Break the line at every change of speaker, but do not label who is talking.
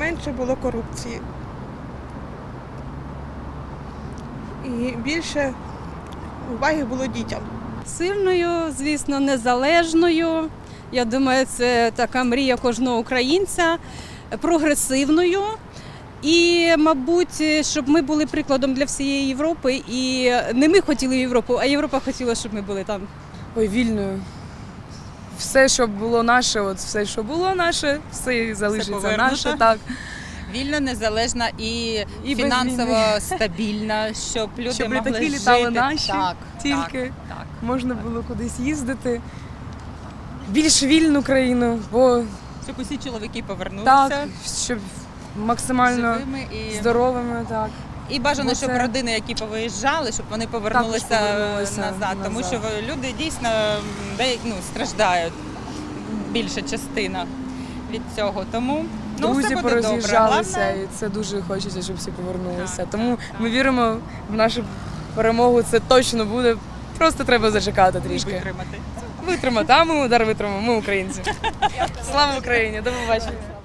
менше було корупції. І більше уваги було дітям.
Сильною, звісно, незалежною. Я думаю, це така мрія кожного українця, прогресивною. І, мабуть, щоб ми були прикладом для всієї Європи. І не ми хотіли Європу, а Європа хотіла, щоб ми були там.
Ой, вільною. Все, що було наше, от все, що було наше, все залишиться
повернуто.
наше, так.
Вільно, незалежна і
без
фінансово
війни.
Стабільна, щоб люди
Щоб
могли
літаки
жити.
літали наші,
так,
тільки.
так.
Можна було кудись їздити. Більш вільну країну, бо
Щоб усі чоловіки повернулися
так, щоб максимально
живими і
здоровими, так.
І бажано,
Бо
щоб
це-
родини, які повиїжджали, щоб вони повернулися,
повернулися
назад. Тому
назад.
що люди дійсно страждають, більша частина від цього. Тому все
Друзі
буде добре.
пороз'їжджалися,
Головне,
і це дуже хочеться, щоб всі повернулися.
Так,
Тому
так,
ми віримо в нашу перемогу, це точно буде. Просто треба зачекати трішки.
витримати.
Витримати, а ми удар витримаємо, ми українці. Слава Україні, до побачення.